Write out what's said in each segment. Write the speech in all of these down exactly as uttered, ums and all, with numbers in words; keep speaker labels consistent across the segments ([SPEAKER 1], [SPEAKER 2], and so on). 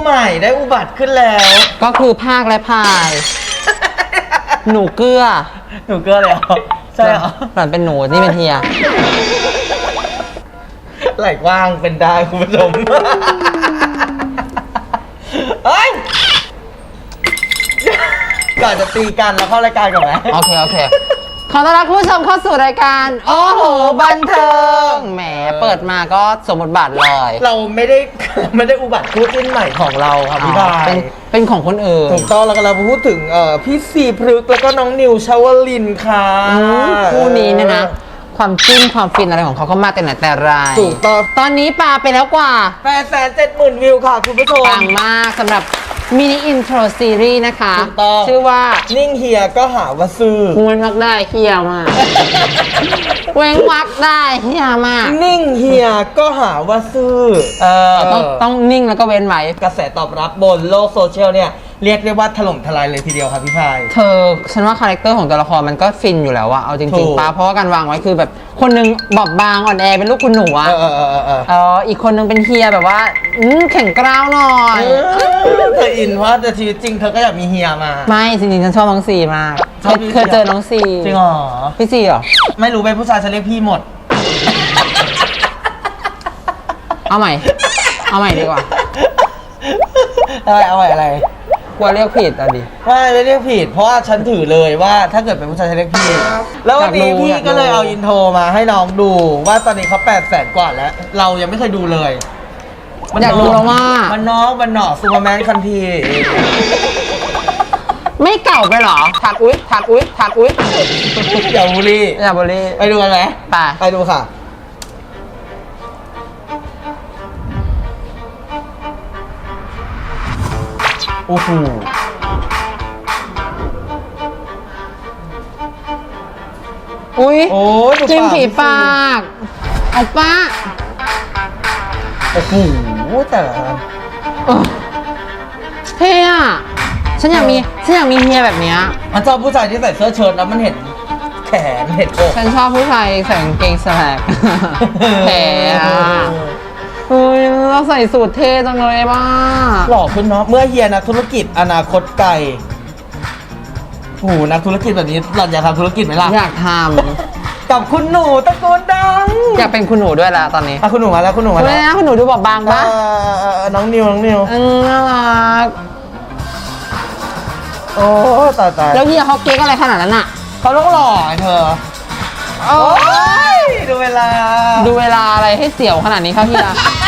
[SPEAKER 1] ใหม่ได้อุบัติขึ้นแล้ว
[SPEAKER 2] ก็คือภาคและพาย หนูเกลือ
[SPEAKER 1] หนูเกลือเลยเหรอใช่เหรอ
[SPEAKER 2] หล่อนเป็นหนูนี่เป็นเฮีย
[SPEAKER 1] ไหล่กว้างเป็นได้คุณผู้ชมเฮ้ยก่อนจะตีกันแล้วเข้ารายการก่อนไหม
[SPEAKER 2] โอเคโอเคขอต้อนรับคุณผู้ชมเข้าสู่รายการโอ้โหบันเทิงแหมเปิดมาก็สมบทบาทเลย
[SPEAKER 1] เราไม่ได้ไม่ได้อุบัติคู่จิ้นใหม่ของเราครับพี่พา
[SPEAKER 2] เป็น
[SPEAKER 1] ย
[SPEAKER 2] เป็นของคนอื่น
[SPEAKER 1] ถูกต้องแล้วก็เราพูดถึงเอ่อพี่สีพฤกษ์แล้วก็น้องนิวชวลินค่ะ
[SPEAKER 2] อืมคู่นี้เนี่ยนะ ความจิ้นความฟินอะไรของเขาก็มาแต่ไหนแต่ไร
[SPEAKER 1] ถูกต้อง
[SPEAKER 2] ตอนนี้ปาไปแล้วกว่า
[SPEAKER 1] แปดแสนเจ็ดหมื่นวิวค่ะคุณผู้ชม
[SPEAKER 2] ปังมากสำหรับมินิอินโทรซีรีส์นะคะ
[SPEAKER 1] ถูกต้อง
[SPEAKER 2] ชื่อว่า
[SPEAKER 1] นิ่งเฮียก็หาว่าซื้อ
[SPEAKER 2] เว้นวักได้เฮียมาก เว้นวักได้เฮียมาก
[SPEAKER 1] นิ่งเฮียก็หาว่าซื้อเออ
[SPEAKER 2] ต้องต้องนิ่งแล้วก็เว้นไว้
[SPEAKER 1] กระแสตอบรับบนโลกโซเชียลเนี่ยเรียกได้ว่าถล่มทลายเลยทีเดียวครับพี่พาย
[SPEAKER 2] เธอฉันว่าคาแรคเตอร์ของตัวละครมันก็ฟินอยู่แล้วอะเอาจ
[SPEAKER 1] ถู
[SPEAKER 2] ริง
[SPEAKER 1] ก
[SPEAKER 2] ๆป้าเพราะว่าการวางไว้คือแบบคนหนึงบอบบางอ่อนแอเป็นลูกคุณหนูอะ
[SPEAKER 1] เออเออเออเออเออ
[SPEAKER 2] เอออีกคนหนึงเป็นเฮียแบบว่าอืมแข็งกร้าวหน่อย
[SPEAKER 1] เธออินเพราะแต่ชีวิตจริงเธอก็อยากมีเฮียมา
[SPEAKER 2] ไม่จริงๆฉันชอบน้องซีมาก
[SPEAKER 1] ชอบพี่
[SPEAKER 2] เคยเจอน้องซี
[SPEAKER 1] จริงเหรอ
[SPEAKER 2] พี่ซีเหรอ
[SPEAKER 1] ไม่รู้เป็นผู้ชายฉันเรียกพี่หมด
[SPEAKER 2] เอาใหม่ เอาใหม่ดีกว่า
[SPEAKER 1] อะไรเอาอะไรอะไร
[SPEAKER 2] กลัวเรียกผิดอ่ะดิ
[SPEAKER 1] ไม่ไม่เรียกผิดเพราะว่าฉันถือเลยว่าถ้าเกิดเป็นผู้ชายฉันเรียกพี่แล้ววันนี้พี่ก็เลยเอาอินโทรมาให้น้องดูว่าตอนนี้เขาแปดแสนกว่าแล้ว เรายังไม่เคยดูเลย
[SPEAKER 2] อยากรู้แล้วว่า
[SPEAKER 1] มันน้องมันหนอซูเปอร์แมนคันที
[SPEAKER 2] ไม่เก่าไปเหรอถักอุ้ยถักอุ้ยถักอุ้ย
[SPEAKER 1] อย่าบูลลี่
[SPEAKER 2] อย่าบริ
[SPEAKER 1] ไปดูกันไหม
[SPEAKER 2] ไป
[SPEAKER 1] ไปดูค่ะโอ้โห
[SPEAKER 2] อุ้ย
[SPEAKER 1] โอ้ยดู
[SPEAKER 2] จิ้ม
[SPEAKER 1] ปาก
[SPEAKER 2] ผีปากเอาป้า
[SPEAKER 1] โอ้โหแต่ละอัน
[SPEAKER 2] เออเท่อะฉันอยากมีฉันอยากมีเฮียแบบเนี้ย
[SPEAKER 1] มันชอบผู้ชายที่ใส่เสื้อเชิ้ตแล้วมันเห็นแขนเห็นอก
[SPEAKER 2] ฉันชอบผู้ชายใส่กางเกงสแลก แผลอะเฮ้ยเราใส่สูทเท่จังเลยบ้า
[SPEAKER 1] หล่อขึ้นเนาะเมื่อเฮียนักธุรกิจอนาคตไกลโอ้โหนักธุรกิจแบบนี้หล่อนอยากทำธุรกิจไหมล่ะ
[SPEAKER 2] อยากท
[SPEAKER 1] กับคุณหนูตระกูลดัง
[SPEAKER 2] ำอยากเป็นคุณหนูด้วยละตอนนี้
[SPEAKER 1] อ่ะคุณหนูมาแล้วคุณหนูมา
[SPEAKER 2] ไม่
[SPEAKER 1] แล้ว
[SPEAKER 2] นะคุณหนูดูบอบบาง
[SPEAKER 1] เอ
[SPEAKER 2] ปะ
[SPEAKER 1] อเออน้องนิวน้องนิว
[SPEAKER 2] อืมน่ารัก
[SPEAKER 1] โอ้ตายตาย
[SPEAKER 2] แล้วเฮียเขาเก๊กอะไรขนาดนั้นอะ
[SPEAKER 1] เขาต้องหล่อไอ้เธอ
[SPEAKER 2] โอ้
[SPEAKER 1] โอ้ยดูเวลา
[SPEAKER 2] ดูเวลาอะไรให้เสียวขนาดนี้ครับเฮีย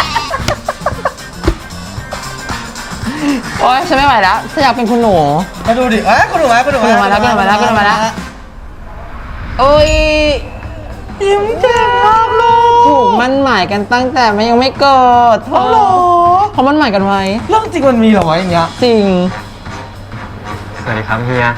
[SPEAKER 2] โอ๊ยฉันไม่ไหวแล้วฉันอยากเป็นคุณหนู
[SPEAKER 1] มาดูดิเอ้ยคุณหนูมาคุณหนู
[SPEAKER 2] คุณหนูมาแล้วคุณหนูมาแล้วคุณหนูมาแล้ว โอ้ย
[SPEAKER 1] ยิ้มแจ่มมากลูก
[SPEAKER 2] ถูกมั่นหมายกันตั้งแต่มันยังไม่เกิดเธ
[SPEAKER 1] อ๋อ
[SPEAKER 2] อ
[SPEAKER 1] เหรอ
[SPEAKER 2] เขามั่นหมายกันไว้
[SPEAKER 1] เรื่องจริงมันมีเหรอวะอย่างเงี้ย
[SPEAKER 2] จริง
[SPEAKER 3] สวัสดีครับเฮีย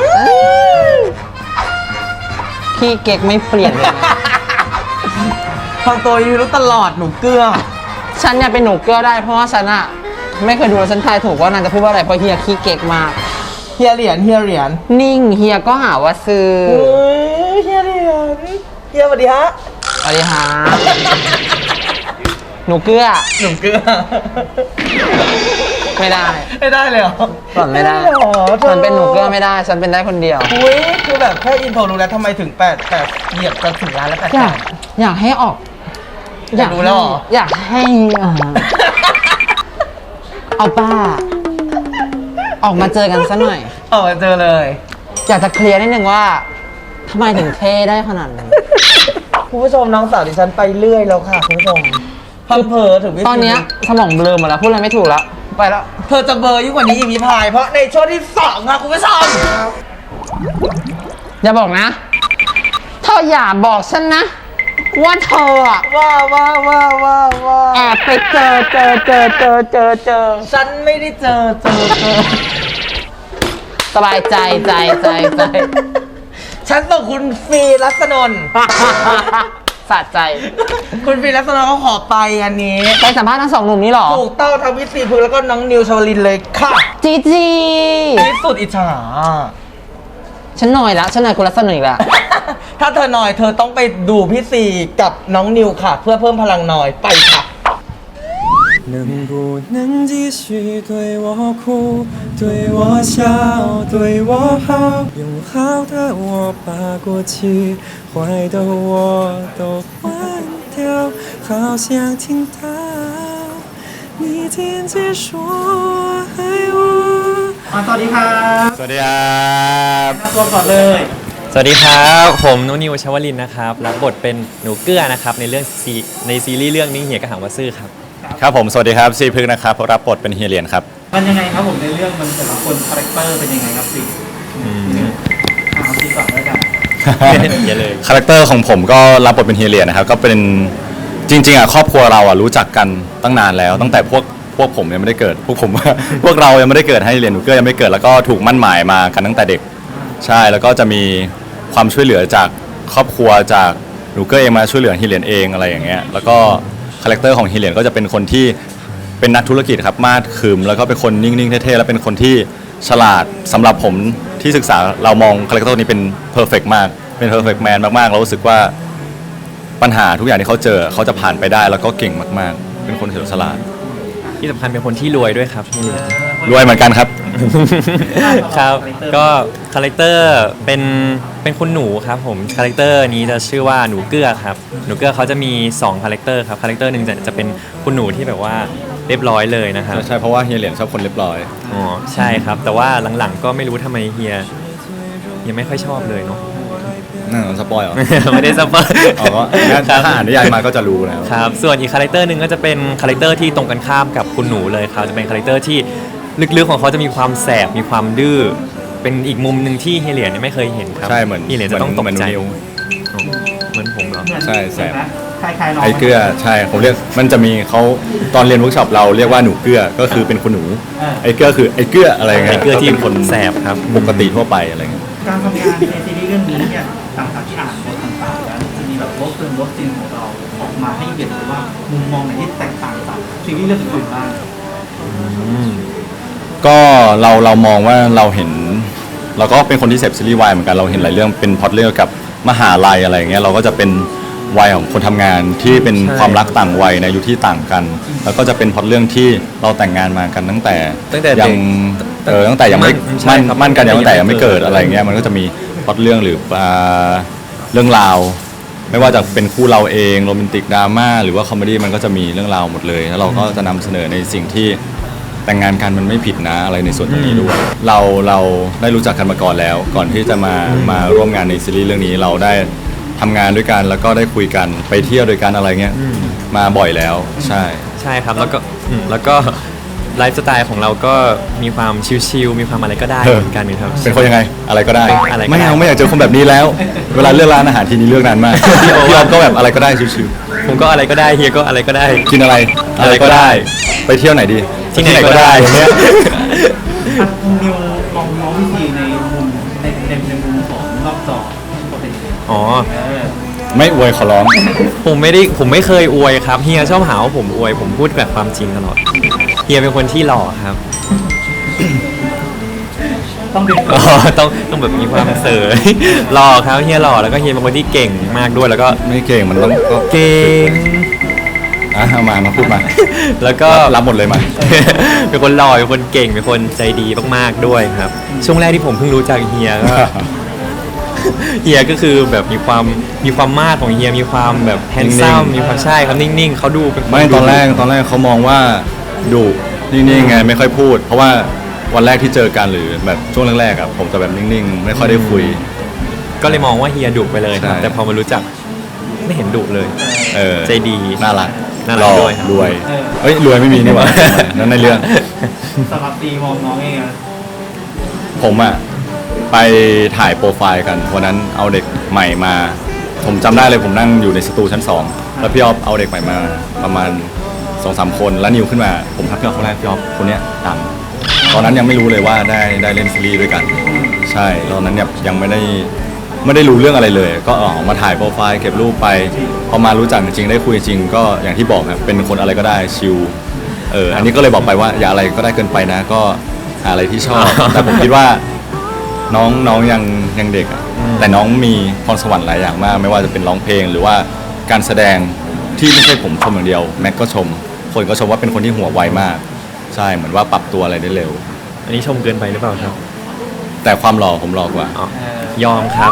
[SPEAKER 2] พี่เก๊กไม่เปลี่ยนเลยนะ
[SPEAKER 1] ทางตัวยูรู้ตลอดหนูเกลือ
[SPEAKER 2] ฉันเนี่ยเป็นหนูเกลือได้เพราะว่าฉันอะไม่เคยดูแล้วฉันทายถูกว่านางจะพูดว่าอะไรเพราะเฮียขี้เก๊กมาก
[SPEAKER 1] เฮียเหรียญเฮียเหรียญ
[SPEAKER 2] นิ่งเฮียก็หาว่าซื้อ
[SPEAKER 1] เฮ้ยเฮียเหรียญเฮียสวัสดีฮะ
[SPEAKER 2] สวัสดีฮะหนูเกลือ
[SPEAKER 1] หนูเกลือ
[SPEAKER 2] ไม่ได้
[SPEAKER 1] ไม่ได้เลยเหรอ
[SPEAKER 2] หล่อนไม่ได้
[SPEAKER 1] เหรอธอ
[SPEAKER 2] ฉันเป็นหนูเกลือไม่ได้ ฉันเป็นได้คนเดียว
[SPEAKER 1] อุ้ยคือแบบแค่อินโทรรู้แล้วทำไมถึงแปดแปดเหยียบจะถึงล้านแล้วแปด
[SPEAKER 2] อยากอยากให้ออก
[SPEAKER 1] อยากรู้แล้วเหรอ
[SPEAKER 2] อยากให้อ่าเอาป้า ออกมาเจอกันสักหน่อย
[SPEAKER 1] เออเจอเลย
[SPEAKER 2] อยากจะเคลียร์นิดนึงว่าทำไมถึงเท่ได้ขนาดนี้
[SPEAKER 1] คุณผู้ชมน้องสาวดิฉันไปเรื่อยแล้วค่ะคุณผู้ชมพังเพอถึงวิธี
[SPEAKER 2] ตอนเนี้ยสมองเบลอหมดแล้วพูดอะไรไม่ถูกแล้ว ไปแล้ว
[SPEAKER 1] เธอจะเบลอร์ยิ่งกว่านี้อีกพี่พาย เพราะในช่วงที่สองค่ะคุณผู้ชม
[SPEAKER 2] อย่าบอกนะเธออย่าบอกฉันนะ ว่าเธออะ
[SPEAKER 1] ว้าว้าว้าว้าว้า
[SPEAKER 2] แอบไปเจอเจอเจอเจอเจอเจอ
[SPEAKER 1] ฉันไม่ได้เจอเจอเจอ
[SPEAKER 2] สบายใจใจใจใจ
[SPEAKER 1] ฉันส่งคุณฟีรัศนนท์
[SPEAKER 2] สะใจ
[SPEAKER 1] คุณฟีรัศนนท์เขาขอไปอันนี้
[SPEAKER 2] ไปสัมภาษณ์ทั้งสองหนุ่มนี้เหรอ
[SPEAKER 1] ถูกต้องทางวิสีพึกษ์แล้วก็น้องนิวชวลินเลยค่ะ
[SPEAKER 2] จีจี
[SPEAKER 1] ที่สุดอิจฉา
[SPEAKER 2] ฉันหน่อยละฉันหน่อยคุณรัศมีอีกละ
[SPEAKER 1] ถ้าเธอหน่อยเธอต้องไปดูพี่ซีกับน้องนิวค่ะ เพื่อเพิ่มพลังหน่อยไปค่ะ
[SPEAKER 4] 能不能继续对我哭，对我笑，对我好？用好的我把过去，坏的我都换掉，好想听到你坚决说爱我。
[SPEAKER 1] อ่ะสวัสดีครับ
[SPEAKER 3] สวัสดีครับ
[SPEAKER 1] ตัวก่อนเลย
[SPEAKER 3] สวัสดีครับผมนุนิวชวลินนะครับรับบทเป็นหนูเกื้อนะครับในเรื่องซีในซีรีส์เรื่องนี้เหียกระหังวาซื่อครับ
[SPEAKER 5] ครับผมสวัสดีครับซีพึกนะครับรับบทเป็นเฮียเหรียญครับ
[SPEAKER 6] มันยังไงครับผมในเรื่องมันแต่ละคนคาแรคเตอร์เป็นยังไงครับสิเอาซีก่อนแล้วกัน
[SPEAKER 3] อย่าเลย
[SPEAKER 5] คาแรคเตอร์ของผมก็รับบทเป็นเฮียเหรียญนะครับก็เป็นจริงๆอ่ะครอบครัวเราอ่ะรู้จักกันตั้งนานแล้ว ตั้งแต่พวกพวกผมยังไม่ได้เกิด พวกผม พวกเรายังไม่ได้เกิดให้เหรียญหนูเกื้อยังไม่ได้เกิดแล้วก็ถูกมั่นหมายมากันตั้งแต่เด็กใช่แล้วก็จะมีความช่วยเหลือจากครอบครัวจากหนูเกื้อเองมาช่วยเหลือเฮียเหรียญเองอะไรอย่างเงี้ยแล้วก็คาแรคเตอร์ของเฮียเหรียญก็จะเป็นคนที่เป็นนักธุรกิจครับมาดขึมแล้วก็เป็นคนนิ่งๆเท่ๆแล้วเป็นคนที่ฉลาดสำหรับผมที่ศึกษาเรามองคาแรคเตอร์นี้เป็นเพอร์เฟกต์มากเป็นเพอร์เฟกต์แมนมากๆเรารู้สึกว่าปัญหาทุกอย่างที่เขาเจอเขาจะผ่านไปได้แล้วก็เก่งมากๆเป็นคนเฉลียวฉลาด
[SPEAKER 3] ที่สำคัญเป็นคนที่รวยด้วยครับพี่
[SPEAKER 5] รวยเหมือนกันครับ
[SPEAKER 3] ครับก็คาแรคเตอร์เป็นเป็นคุณหนูครับผมคาแรคเตอร์นี้จะชื่อว่าหนูเกื้อครับหนูเกื้อเขาจะมีสองคาแรคเตอร์ครับคาแรคเตอร์หนึ่งจะจะเป็นคุณหนูที่แบบว่าเรียบร้อยเลยนะครับ
[SPEAKER 5] ใช่เพราะว่าเฮียเหรียญชอบคนเรียบร้อย
[SPEAKER 3] อ๋อใช่ครับ แต่ว่าหลังๆก็ไม่รู้ทำไมเฮียเฮียไม่ค่อยชอบเลยเนาะ
[SPEAKER 5] นั่นสปอยเหรอ
[SPEAKER 3] ไม่ได้สปอย
[SPEAKER 5] อ๋อถ้าอ่านนิยายมาก็จะรู้แล้ว
[SPEAKER 3] ครับส่วนอีกคาแรคเตอร์หนึ่งก็จะเป็นคาแรคเตอร์ที่ตรงกันข้ามกับคุณหนูเลยครับจะเป็นคาแรคเตอร์ที่ลึกๆของเขาจะมีความแสบมีความดื้อเป็นอีกมุมหนึ่งที่เฮียเหรียญเนี่ยไม่เคยเห็นครับ
[SPEAKER 5] ใช่เหมือน
[SPEAKER 3] เฮียเหรียญจะต้องตกใจ
[SPEAKER 5] เหมือนนิว
[SPEAKER 3] อ๋อเหมือนผมเหรอ
[SPEAKER 5] ใช่แสบ
[SPEAKER 6] คล้ายๆน้อง
[SPEAKER 5] ไอ้เกลือใช่ผมเรียกมันจะมีเขาตอนเรียนเวิร์กช็อปเราเรียกว่าหนูเกลือก็คือเป็นคุณหนูไอ้เกลือคือไอ้เกลืออะไรเงี้ย
[SPEAKER 3] ไอ้เกลือที่
[SPEAKER 5] เป็นคน
[SPEAKER 3] แสบครับ
[SPEAKER 5] ปกติทั่วไปอะไรเงี้ย
[SPEAKER 6] การทำงานในซีรีส์เรื่องนี้เนี่ยต่างจากที่อ่านบทต่างๆแล้วจะมีแบบรสเติมรสจริงของเราออกมาให้เห็นเลยว่ามุมมองไหนที่แตกต่างจากซีรีส์เรื่องอื่นๆบ้าง
[SPEAKER 5] ก็เราเรามองว่าเราเห็น เราก็เป็นคนที่เสพซีรีส์วายเหมือนกันเราเห็นหลายเรื่องเป็นพล็อตเรื่องเกี่ยวกับมหาลัยอะไรเงี้ยเราก็จะเป็นวัยของคนทำงานที่เป็น
[SPEAKER 3] ใช่
[SPEAKER 5] ความรักต่างวัยในอายุที่ต่างกัน แล้วก็จะเป็นพล็อตเรื่องที่เราแต่งงานมากันตั้งแต่
[SPEAKER 3] ตั้งแต่
[SPEAKER 5] ยั
[SPEAKER 3] เด็ก
[SPEAKER 5] เออตั้งแต่ยังไม่
[SPEAKER 3] ใช่
[SPEAKER 5] มั่น
[SPEAKER 3] ครับ
[SPEAKER 5] มั่นกันยังตั้งแต่ยังไม่เกิด
[SPEAKER 3] ยังไม่เกิด
[SPEAKER 5] อะไรเงี้ยมันก็จะมีพล็อตเรื่องหรืออ่าเรื่องราว ไม่ว่าจะเป็นคู่เราเองโรแมนติกดราม่าหรือว่าคอมเมดี้มันก็จะมีเรื่องราวหมดเลยแล้วเราก็จะนำเสนอในสิ่งที่แต่งงานกันมันไม่ผิดนะอะไรในส่วนตรงนี้ด้วยเราเราได้รู้จักกันมาก่อนแล้ว ก่อนที่จะมามาร่วมงานในซีรีส์เรื่องนี้เราได้ทำงานด้วยกันแล้วก็ได้คุยกันไปเที่ยวด้วยกันอะไรเงี้ยมาบ่อยแล้วใช่
[SPEAKER 3] ใช่ครับแล้วก็อืมแล้วก็ไลฟ์สไตล์ของเราก็มีความชิลๆมีความอะไรก็ได้
[SPEAKER 5] เออ
[SPEAKER 3] เหมือนกันครับ
[SPEAKER 5] เป็นคนยังไงอะไรก็ได้
[SPEAKER 3] อะไรก็ได้
[SPEAKER 5] ไม่เอาไม่อยากเจอคนแบบนี้แล้ว เวลาเลือกร้านอาหารทีนี้เลือกนานมากพี่ออฟก็แบบอะไรก็ได้ชิว
[SPEAKER 3] ผมก็อะไรก็ได้เฮียก็อะไรก็ได้
[SPEAKER 5] ๆกินอะไร
[SPEAKER 3] อะไรก็ได้
[SPEAKER 5] ไปเที่ยวไหนดี
[SPEAKER 3] ที่ไหนก็ได้
[SPEAKER 5] อย่างเงี้ย
[SPEAKER 6] อ่ะนิวมองน้องวิธีในมุมในในในมุมของนอกจอก็เป็นยังไง
[SPEAKER 3] อ๋อ
[SPEAKER 6] เออ
[SPEAKER 5] ไม่อวยขอร้อง
[SPEAKER 3] ผมไม่ได้ผมไม่เคยอวยครับเฮียชอบหาว่าผมอวยผมพูดแบบความจริงตลอดเฮียเป็นคนที่หล่อครับ
[SPEAKER 6] ต้องเป็น
[SPEAKER 3] อ๋อต้องต้องแบบมีความเสย หล่อครับเฮียหล่อแล้วก็เฮียเป็นคนที่เก่งมากด้วยแล้วก็
[SPEAKER 5] ไม่เก่งมันต้องก็
[SPEAKER 3] เก่ง
[SPEAKER 5] อ่ะเอามามาพูดมา
[SPEAKER 3] แล้วก็
[SPEAKER 5] รับหมดเลยมา
[SPEAKER 3] เป็นคนหล่อเป็นคนเก่งเป็นคนใจดีมากๆด้วยครับ ช่วงแรกที่ผมเพิ่งรู้จักเฮียก็ เฮียก็คือแบบมีความมีความมากของเฮียมีความแบบแฮนซัม
[SPEAKER 5] นิ่งๆ
[SPEAKER 3] มีความใช่ครับนิ่งๆเขาดูเป็นค
[SPEAKER 5] ไม่
[SPEAKER 3] ดู
[SPEAKER 5] ตอนแรกตอนแรกเขามองว่าดุนิ่งๆไงไม่ค่อยพูด เพราะว่าวันแรกที่เจอกันหรือแบบช่วงแรกๆอ่ะผมจะแบบนิ่งๆ ไม่ค่อยได้คุย
[SPEAKER 3] ก็เลยมองว่าเฮียดุไปเลยครับ
[SPEAKER 5] ใช่
[SPEAKER 3] แต่พอมารู้จักไม่เห็นดุเลย
[SPEAKER 5] เออ
[SPEAKER 3] ใจดี
[SPEAKER 5] น่ารัก
[SPEAKER 3] น่ารัก
[SPEAKER 5] หล่อ
[SPEAKER 3] ด้วยครับ
[SPEAKER 5] รวยเอ้ยรวยไม่มีนี่หว่า นั่นในเรื่อง
[SPEAKER 6] สำหรับตีมองน้องเองอะ
[SPEAKER 5] ผมอะไปถ่ายโปรไฟล์กันวันนั้นเอาเด็กใหม่มา ผมจำได้เลยผมนั่งอยู่ในสตูชั้นสองแล้วพี่ออฟเอาเด็กใหม่มาประมาณสองสามคนแล้วนิวขึ้นมาผมทักพี่ออฟคนแรกพี่ออฟคนเนี้ยดังตอนนั้นยังไม่รู้เลยว่าได้ได้เล่นซีรีส์ด้วยกัน ใช่ตอนนั้นเนี่ยยังไม่ได้ไม่ได้รู้เรื่องอะไรเลย ก็ออกมาถ่ายโปรไฟล์เก็บรูปไปพอมารู้จักจริงๆได้คุยจริงก็อย่างที่บอกครับเป็นคนอะไรก็ได้ชิลเอออันนี้ก็เลยบอกไปว่าอย่าอะไรก็ได้เกินไปนะ ก็หาอะไรที่ชอบ แต่ผมคิดว่าน้องน้องยังยังเด็กอะแต่น้องมีพรสวรรค์หลายอย่างมาก ไม่ว่าจะเป็นร้องเพลงหรือว่าการแสดงที่ไม่ใช่ผมชมอย่างเดียวแม็กก็ชมคนก็ชมว่าเป็นคนที่หัวไวมาก ใช่เหมือนว่าปรับตัวอะไรได้เร็ว
[SPEAKER 3] อันนี้ชมเกินไปหรือเปล่าครับ
[SPEAKER 5] แต่ความหล่อผมหล่อกว่า
[SPEAKER 3] อ๋อยอมครับ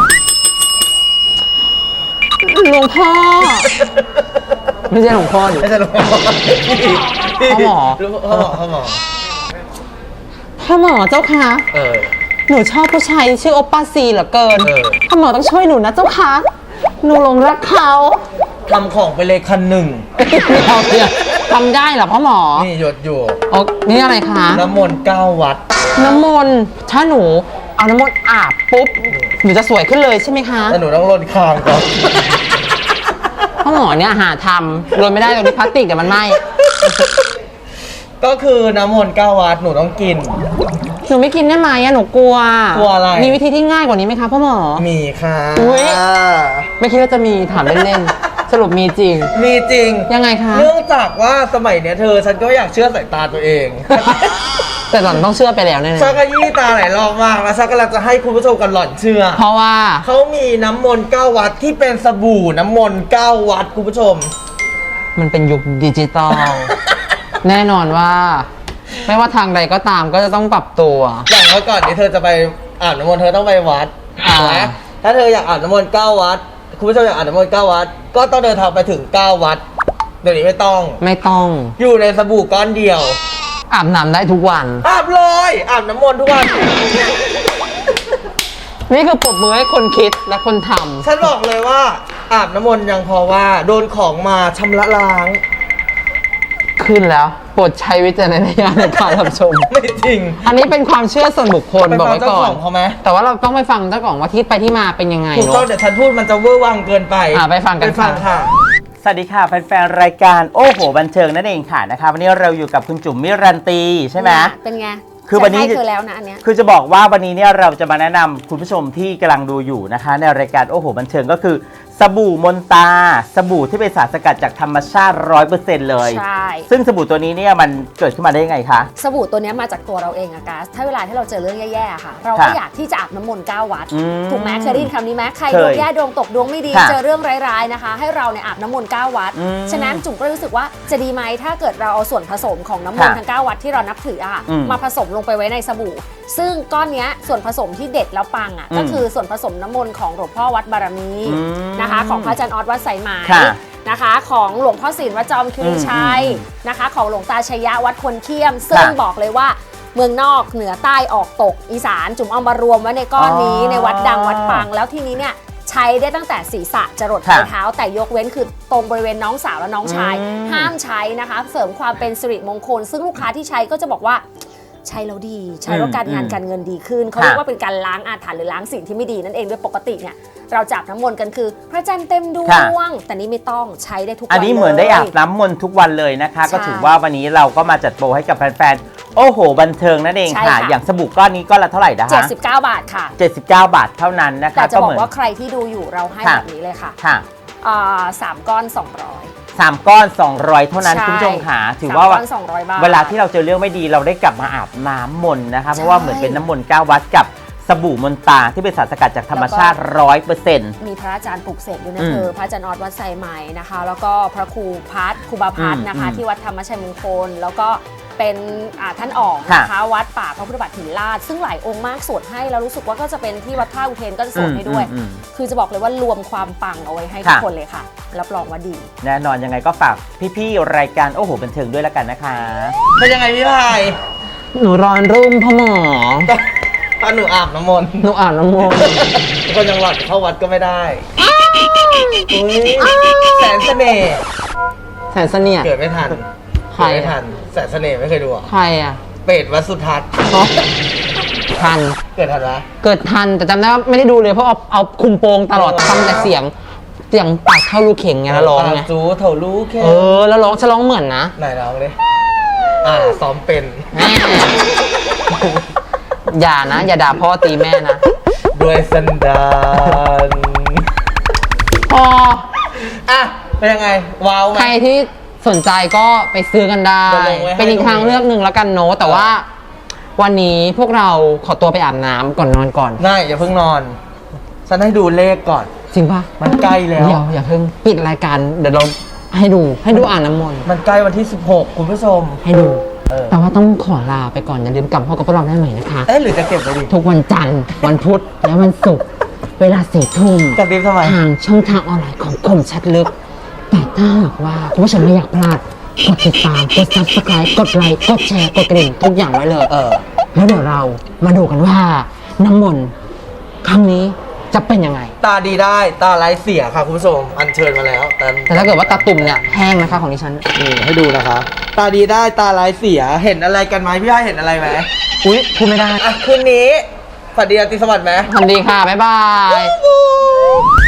[SPEAKER 2] หลวงพ่อ ไม่ใช่หลวงพ่อดิ
[SPEAKER 1] ไม่ใช่หรอก
[SPEAKER 2] พ่อหมอ
[SPEAKER 1] พ่อหมอพ่อหมอ
[SPEAKER 2] พ่อหมอเจ้าคะ
[SPEAKER 1] เออ
[SPEAKER 2] หนูชอบผู้ชายที่ชื่อโอปป้าซีเหลือเกิน
[SPEAKER 1] เออ
[SPEAKER 2] พ่อหมอต้องช่วยหนูนะเจ้าคะหนูหลงรักเขา
[SPEAKER 1] ทำของไปเลยคันหนึ่ง
[SPEAKER 2] เราเนี่ยทำได้เหรอพ่อหมอ
[SPEAKER 1] นี่หยดอยู่
[SPEAKER 2] โอ้นี่อะไรคะ
[SPEAKER 1] น้ำมนต์เก้าวัด
[SPEAKER 2] น้ำมนต์ถ้าหนูเอาน้ำมนต์อาบปุ๊บหนูจะสวยขึ้นเลยใช่ไหมคะ
[SPEAKER 1] แต่หนูต้องลดคางก่อน
[SPEAKER 2] พ่อหมอเนี่ยหาทำโรยไม่ได้ตรงนี้พลาสติกเดี๋ยวมันไหม้
[SPEAKER 1] ก็คือน้ำมนต์เก้าวัดหนูต้องกิน
[SPEAKER 2] หนูไม่กินได้ไหมอะหนูกลัว
[SPEAKER 1] กลัวอะไร
[SPEAKER 2] มีวิธีที่ง่ายกว่านี้ไหมคะพ่อหมอ
[SPEAKER 1] มีค่ะ
[SPEAKER 2] อุ๊ย ไม่คิดว่าจะมีถามเล่นๆ สรุปมีจริง
[SPEAKER 1] มีจริง
[SPEAKER 2] ยังไงคะ
[SPEAKER 1] เนื่องจากว่าสมัยเนี้ยเธอฉันก็อยากเชื่อสายตาตัวเอง
[SPEAKER 2] แต่หล่อนต้องเชื่อไปแล้วแน่
[SPEAKER 1] ชักกะยี่ตาหลายรอบมากแล้วชักกำลังจะให้คุณผู้ชมกันหล่อนเชื่อ
[SPEAKER 2] ๆเพราะว่า
[SPEAKER 1] เขามีน้ำมนต์เก้าวัดที่เป็นสบู่น้ำมนต์เก้าวัดคุณผู้ชม
[SPEAKER 2] มันเป็นยุคดิจิตอล แน่นอนว่า ไม่ว่าทางใดก็ตามก็จะต้องปรับตัว
[SPEAKER 1] อย่างเมื่อก่อนนี้เธอจะไปอาบน้ำมนต์เธอต้องไปวัด
[SPEAKER 2] อ่า
[SPEAKER 1] ถูกไหมถ้าเธออยากอาบน้ำมนต์เก้าวัด คุณผู้ชมอยากอาบน้ำมนต์เก้าวัด ก็ต้องเดินทางไปถึงเก้าวัด เดี๋ยวนี้ไม่ต้อง
[SPEAKER 2] ไม่ต้อง
[SPEAKER 1] อยู่ในสบู่ก้อนเดียว
[SPEAKER 2] อาบน้ำได้ทุกวัน
[SPEAKER 1] อาบเลย อาบน้ำมนต์ทุกวัน
[SPEAKER 2] นี่คือปรบมือให้คนคิดและคนท
[SPEAKER 1] ฉันบอกเลยว่า อาบน้ำมนต์ยังพอว่าโดนของมาชำระล้าง
[SPEAKER 2] ำขึ้นแล้วโปรดใช้วิจารณญาณในการรับชม
[SPEAKER 1] ไม่จริง
[SPEAKER 2] อันนี้เป็นความเชื่อส่วนบุคคล
[SPEAKER 1] ไป
[SPEAKER 2] บอก
[SPEAKER 1] ฟัง
[SPEAKER 2] ไว้
[SPEAKER 1] เจ้า
[SPEAKER 2] ก่อ
[SPEAKER 1] ข
[SPEAKER 2] น
[SPEAKER 1] องเขาไหม
[SPEAKER 2] แต่ว่าเราต้องไปฟังเจ้าของว่าที่ไปที่มาเป็นยังไง
[SPEAKER 1] ถูก
[SPEAKER 2] เนาะ
[SPEAKER 1] ต้องเดี๋ยวฉันพูดมันจะเวอร์วังเกินไป
[SPEAKER 2] อ่ะไปฟังกัน
[SPEAKER 1] ไปฟัง
[SPEAKER 2] ค่ะ
[SPEAKER 1] ค่ะ
[SPEAKER 7] สวัสดีค่ะแฟนๆรายการโอ้โหบันเทิงนั่นเองค่ะนะคะวันนี้เราอยู่กับคุณจุ๋มมิรันตีใช่ไหม
[SPEAKER 8] เป็นไง
[SPEAKER 7] คือวันนี้
[SPEAKER 8] ฉัให้เธอแล้วนะอันเนี้ย
[SPEAKER 7] คือจะบอกว่าวันนี้เนี่ยเราจะมาแนะนำคุณผู้ชมที่กำลังดูอยู่นะคะ ในรายการโอ้โหบันเทิงก็คือสบู่มนตาสบู่ที่เป็นสารสกัดจากธรรมชาติ ร้อยเปอร์เซ็นต์ เลย
[SPEAKER 8] ใช่
[SPEAKER 7] ซึ่งสบู่ตัวนี้เนี่ยมันเกิดขึ้นมาได้ยังไงคะ
[SPEAKER 8] สบู่ตัวเนี้ยมาจากตัวเราเองอะกัสถ้าเวลาที่เราเจอเรื่องแย่ๆอะค่ะ เราก็
[SPEAKER 7] ค่ะ
[SPEAKER 8] อยากที่จะอาบน้ำมนต์เก้าวัด
[SPEAKER 7] อืม
[SPEAKER 8] ถูกไหมเคยได้ยินคำนี้ไหมใคร
[SPEAKER 7] เค
[SPEAKER 8] ด
[SPEAKER 7] ยว
[SPEAKER 8] งแย่ดวงตกดวงไม่ดี
[SPEAKER 7] ค่ะ
[SPEAKER 8] เจอเรื่องร้ายๆนะคะ ให้เราเนี่ยอาบน้ำมนต์เก้าวัด
[SPEAKER 7] อืม
[SPEAKER 8] ฉะนั้นจุ๋มก็รู้สึกว่าจะดีไหมถ้าเกิดเราเอาส่วนผสมของน้ำมนต์
[SPEAKER 7] ค่ะ
[SPEAKER 8] ทั้งเก้าวัดที่เรานับถืออะค่ะ
[SPEAKER 7] อืม
[SPEAKER 8] มาผสมลงไปไว้ในสบู่ ซึ่งก้อนเนี้ยส่วนผสมที่เด็ดแล้วปังอะ
[SPEAKER 7] อืม
[SPEAKER 8] ก็คือส่วนผสมน้ำมนต์ของหลวงพ่อวัดบารมี
[SPEAKER 7] อืม
[SPEAKER 8] นะคะ ของพระอาจารย์ออสวัดสายไหม
[SPEAKER 7] ค่ะ
[SPEAKER 8] นะคะของหลวงพ่อศิลป์วัดจอมคิรีชัย
[SPEAKER 7] อืม
[SPEAKER 8] นะคะของหลวงตาชยะวัดควรเขี้ยม ซึ่ง
[SPEAKER 7] ค่ะ
[SPEAKER 8] บอกเลยว่าเมืองนอกเหนือใต้ออกตกอีสานจุ่มเอามารวมไว้ในก้อนนี้
[SPEAKER 7] อ๋อ
[SPEAKER 8] ในวัดดังวัดปัง แล้วทีนี้เนี่ยใช้ได้ตั้งแต่ศีรษะจรดป
[SPEAKER 7] ค่ะ
[SPEAKER 8] ลายเท้า แต่ยกเว้นคือตรงบริเวณน้องสาวและน้องชาย
[SPEAKER 7] อืม
[SPEAKER 8] ห้ามใช้นะคะ เสริมความเป็นสิริมงคล ซึ่งลูกค้าที่ใช้ก็จะบอกว่าใช้แล้วดี ใช้แล้วการงานการเงินดีขึ้นเขาเรียกว่าเป็นการล้างอาถรรพ์หรือล้างสิ่งที่ไม่ดีนั่นเองโดยปกติเนี่ยเราจับน้ำมนต์กันคือ พระจันทร์เต็มดว
[SPEAKER 7] ค่ะ
[SPEAKER 8] งแต่นี้ไม่ต้องใช้ได้ทุกวัน
[SPEAKER 7] อันนี้เหมือนได้อาบน้ำมนต์ทุกวันเลยนะคะ
[SPEAKER 8] ใช่
[SPEAKER 7] ก็ถือว่าวันนี้เราก็มาจัดโปรให้กับแฟนๆโอ้โหบันเทิงนั่นเอง
[SPEAKER 8] ใช่
[SPEAKER 7] ค่ะ
[SPEAKER 8] ค่ะ
[SPEAKER 7] อย่างสบู่ก้อนนี้ก้อนละเท่าไหร่นะ
[SPEAKER 8] เจ็ด
[SPEAKER 7] คะ
[SPEAKER 8] สิบเก้าบาทค่ะ
[SPEAKER 7] เจ็ดสิบเก้าบาทเท่านั้นนะคะ
[SPEAKER 8] แต่จะบอ
[SPEAKER 7] เหมื
[SPEAKER 8] ก
[SPEAKER 7] น
[SPEAKER 8] ว่าใครที่ดูอยู่เราให้
[SPEAKER 7] ค่ะ
[SPEAKER 8] แบบนี้เลยค่ะ
[SPEAKER 7] ค่ะ
[SPEAKER 8] อ่าสามก้อนสองร้อย
[SPEAKER 7] สามก้อนสองร้อยเท่านั้น
[SPEAKER 8] ใช่
[SPEAKER 7] คุณผู้ชมค่ะถือ
[SPEAKER 8] สาม
[SPEAKER 7] ว่า
[SPEAKER 8] ก้อนสองร้อยบาท
[SPEAKER 7] เวลาที่เราเจอเรื่องไม่ดีเราได้กลับมาอาบน้ำมนต์นะคะ เพราะว่าเหมือนเป็นน้ำมนต์เก้าวัดกับสบู่มนตาที่เป็นสารสกัดจากธรรมชาติร้อยเปอร์เซ็นต์
[SPEAKER 8] มีพระอาจารย์ปลุกเสกด้วยนะ
[SPEAKER 7] อืม
[SPEAKER 8] เธอพระอาจารย์ออดวัดไซไหมนะคะ แล้วก็พระครูพัฒน์ครูบาพัฒน์นะคะ
[SPEAKER 7] อืม
[SPEAKER 8] ที่วัดธรรมชัยมงคล แล้วก็เป็นอ่าท่านออก
[SPEAKER 7] ค่ะ
[SPEAKER 8] นะคะวัดป่าพระพุทธบาทหินลาดซึ่งหลายองค์มากสวดให้แล้วรู้สึกว่าก็จะเป็นที่วัดท่าอุเทนก็จะสวดให้ด้วย
[SPEAKER 7] อืมอืม
[SPEAKER 8] คือจะบอกเลยว่ารวมความปังเอาไว้ให้
[SPEAKER 7] ค่ะ
[SPEAKER 8] ทุกคนเลยค่ะ รับรองว่าดี
[SPEAKER 7] แน่นอนยังไงก็ฝากพี่ๆรายการโอ้โหบันเทิงด้วยแล้วกันนะคะ
[SPEAKER 1] เป็นยังไงพี่พาย
[SPEAKER 2] หนูร้อนรุ่มพ่อหมอ
[SPEAKER 1] ตอนหนูอาบน้ำมนต์
[SPEAKER 2] หนูอาบน้ำมนต์
[SPEAKER 1] ก็ยังหลัดเข้าวัดก็ไม่ได้อุ๊ยแสนเสน่ห์
[SPEAKER 2] แสนเสนียด
[SPEAKER 1] เกิดไม่ทัน
[SPEAKER 2] ใคร
[SPEAKER 1] เกิด
[SPEAKER 2] อะ
[SPEAKER 1] ไม่ทันแสนเสน่ห์ไม่เคยดูอ่ะ
[SPEAKER 2] ใครอ่ะ
[SPEAKER 1] เป็ดวัดสุทัศน์
[SPEAKER 2] ทัน
[SPEAKER 1] เกิดทันละ
[SPEAKER 2] เกิดทันแต่จำได้ว่าไม่ได้ดูเลยเพราะเอาเอาคุมโปงตลอด
[SPEAKER 1] เออ
[SPEAKER 2] ฟังแต่เสียงเสียงปากเท่าลูกเข่งไงแล้วร้องไง
[SPEAKER 1] ตาจูเถารู้แค่
[SPEAKER 2] เออแล้วร้องฉันร้องเหมือนนะ
[SPEAKER 1] ไหนร้องเลยอ่าซ้อมเป็น
[SPEAKER 2] แม่อย่านะ อย่าด่าพ่อตีแม่นะ
[SPEAKER 1] ด้วยสันดาน
[SPEAKER 2] พอ
[SPEAKER 1] อ่ะเป็นยังไงว้าวไหม
[SPEAKER 2] ใครที่สนใจก็ไปซื้อกันได้
[SPEAKER 1] เดี๋ยวลงไว้ให้
[SPEAKER 2] เป็นอีกทางเลือกหนึ่งแล้วกันเนอะแต่ว่าวันนี้พวกเราขอตัวไปอาบน้ำก่อนนอนก่อน
[SPEAKER 1] ได้อย่าเพิ่งนอน ฉันให้ดูเลขก่อน
[SPEAKER 2] จริงปะ
[SPEAKER 1] มันใกล้แล้ว
[SPEAKER 2] เดี๋ยวอย่าเพิ่งปิดรายการเดี๋ยวเราให้ดูให้ดูอ่านน้ำมนต์
[SPEAKER 1] มันใกล้วันที่สิบหกคุณผู้ชม
[SPEAKER 2] ให้ดู
[SPEAKER 1] เออ
[SPEAKER 2] แต่ว่าต้องขอลาไปก่อนอย่าลืมกลับมาพบกับพวกเราได้ใหม่นะคะ
[SPEAKER 1] เอ๊ะหรือจะเก็บไว้ดิ
[SPEAKER 2] ทุกวันจันทร์วันพุธและวันศุกร์เวลาสี่ทุ่ม
[SPEAKER 1] จะบีบทำไม
[SPEAKER 2] ทางช่องทางออนไลน์ของคมชัดลึก แต่ถ้าหากว่าคุณผู้ชมไม่อยากพลาดกดติดตามกด ซับสไครบ์ กดไลค์กดแชร์กดกระดิ่งทุกอย่างไว้เลย
[SPEAKER 1] เออ
[SPEAKER 2] แล้วเดี๋ยวเรามาดูกันว่าน้ำมนต์ครั้งนี้จะเป็นยังไง
[SPEAKER 1] ตาดีได้ตาไร้เสียค่ะคุณผู้ชมอัญเชิญมาแล้วแต่
[SPEAKER 2] แต่ถ้าเกิดว่าตาตุ่มเนี่ยแห้งนะคะของดิฉัน
[SPEAKER 1] นี่ให้ดูนะคะ ตาดีได้ตาไร้เสียเห็นอะไรกันไหมพี่อ้ายเห็นอะไรไหม
[SPEAKER 2] อุ๊ยพูดไม่ได้
[SPEAKER 1] อ่ะคืนนี้ฝันดีราตรีสวัสดิ์ไหม
[SPEAKER 2] สวัสดีค่ะ บ๊ายบาย